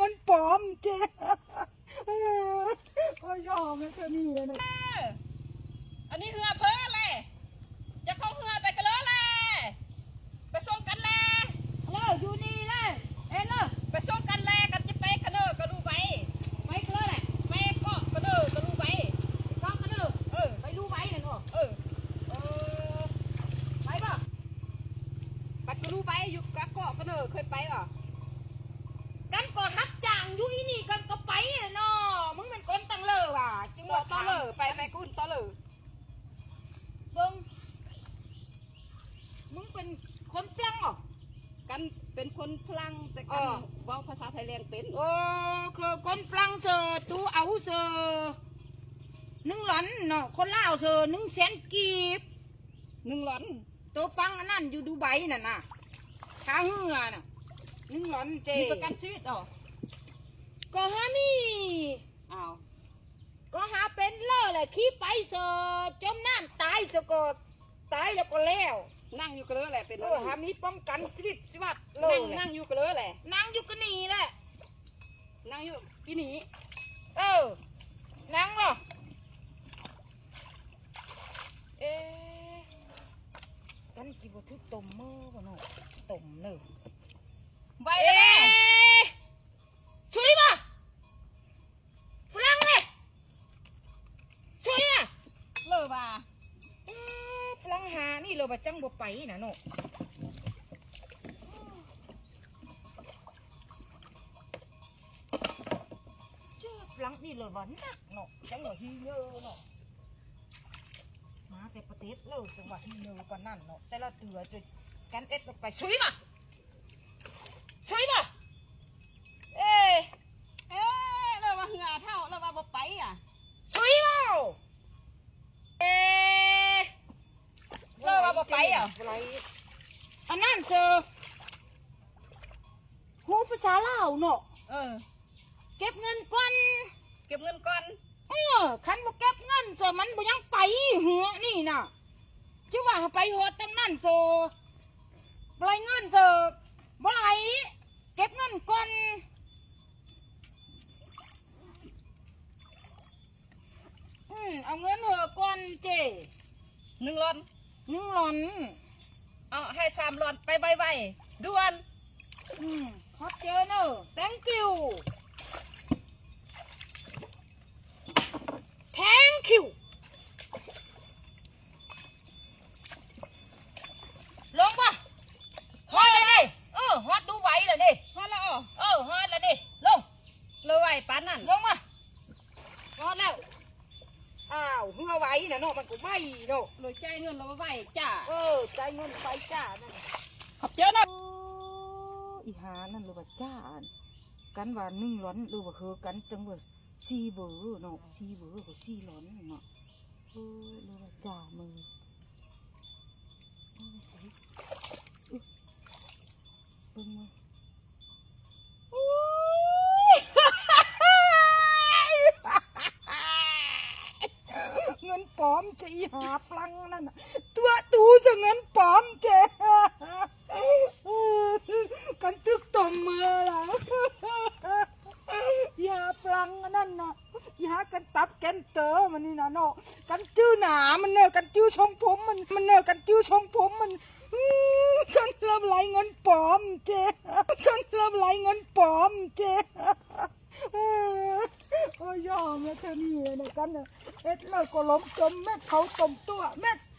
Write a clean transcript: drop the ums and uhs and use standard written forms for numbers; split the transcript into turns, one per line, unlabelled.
งินปลอมเจ๊ก็ยอมแล้วเธอนี่เลยนะ
อันนี้เหือเพ้อเลยจะเข้าเหือไปกันเลยไปส่งกันเลย
อยู่นี่เลยเอ็นเลย
ไปส่งกันเลยกันจะไปกันเนอก็รู้ไว้
ไปกันเลย
ไปเกาะกันเนอก็รู้ไว้
ก็กันเลยไปรู้ไว้เลยเนาะไปป่ะ
ไปก็รู้ไว้อยู่กับเกาะกันเนอเคยไปหรอ
กันก็ฮักจ่างอยู่นี่กันก็ไปเนาะมึงเป็นคนตั้งเลอว่ะ
จึงบอกต่อเลยไปกุ้นต่อเลย
เบิ้งมึงเป็นคนฝรั่งเหรอ
กันเป็นคนฝรั่งแต่กันเว้าภาษาไทยแรงเป็น
คือคนฝรั่งเสือตูเอาเสือนึ่งหลอนเนาะคนลาวเสือ100,000 กีบ
1 หลอน
ตัวฟังอันนั้นอยู่ดูไบน่ะนะข้าเหือน่ะ1 หลอนเจ
มีประกันชีวิตอ๋อ
ก็ฮามี
อ้าว
ก็หาเป็นเล่อเลยขี้ไปเสือจมน้ำตายเสือก็ตายแล้วก็แล้ว
นั่งอยู่กันเลยแหละเป็น
หามีป้องกันชีวิตสวัสดิ์
นั่งอยู่กันเลยแหละ
นั่งอยู่กันนี่แหละ
นั่งอยู่กินนี่
นั่งเหรอกันกี่บทุกต้มมือกันเนาะต้มเนอะ
ไปเลย
ช่วยมาฝรั่งเลยช่วยอ่ะ
เลิกบ่า
ฝรั่งหานี่เราบะจังบ่ไปนะเนาะฝรั่งนี่เราบ่นักเนาะจังหวะฮีเยอะเนาะมาแต่ประเทศเราจังหวะฮีเยอะกว่านั่นเนาะแต่ละเตือจะกันเอ็ดไปช่วยมา
เราว่าเหือเท่าเราว่าบ่ไปอ่ะ
ช่วยมา
เราว่าบ่ไปอ่ะ
อันนั้นเจอหูภาษาลาวเนาะเก็บเงินก่อนคันบ่เก็บเงินเจอมันบ่ยังไปหัวนี่น่ะชื่อว่าไปหดตั้งนั่นเจอปล่อยเงินเจอบ่ไหลเก็บเงินก่อนเอาเงินเหอะก่อนเจ
1 หลอนเอาให้3 หลอนไปไวๆด่วน
ขอบเจอเนอะ thank youลงป่ะฮอดเลยดิฮอดดูไหวเลยดิ
ฮอดแล้ว
ฮอดเลยดิลง
เลยไหวปานนั่น
ลงมาฮอดแล้วอ้าวเหือไหวนะเนาะมันก็ไหวเนาะ
เลยใจเงินเราไหวจ้า
ใจเงินไปจ้านั่น
ขอบเจอนะ
อีหานั่นหรือว่าจ้ากันว่า1 หลอนหรือว่าคือกันจังว่า4 เวอร์เนาะ4 เวอร์กับ4 หลอนเนาะหรือว่าจ้ามือเบิ่งมาเงินปลอมจะอีหาฝรั่งนั่นตัวตูจะเงินปลอมเจ๊กันตึกต่อมมือแล้วอีหาฝรั่งนั่นน่ะอีหากันตับแกนเตอร์มันนี่นะเนาะกันจื้อหนามันเนอะกันจื้อชงผมมันเนอะกันจื้อชงผมมันกันเริ่มไหลเงินปลอมเจ๊กันเริ่มไหลเงินปลอมเจ๊ยอมแล้วเธอนี่นะกันเอ็ดเลยก็ล้มจมแม่เขาต้มตัวแม่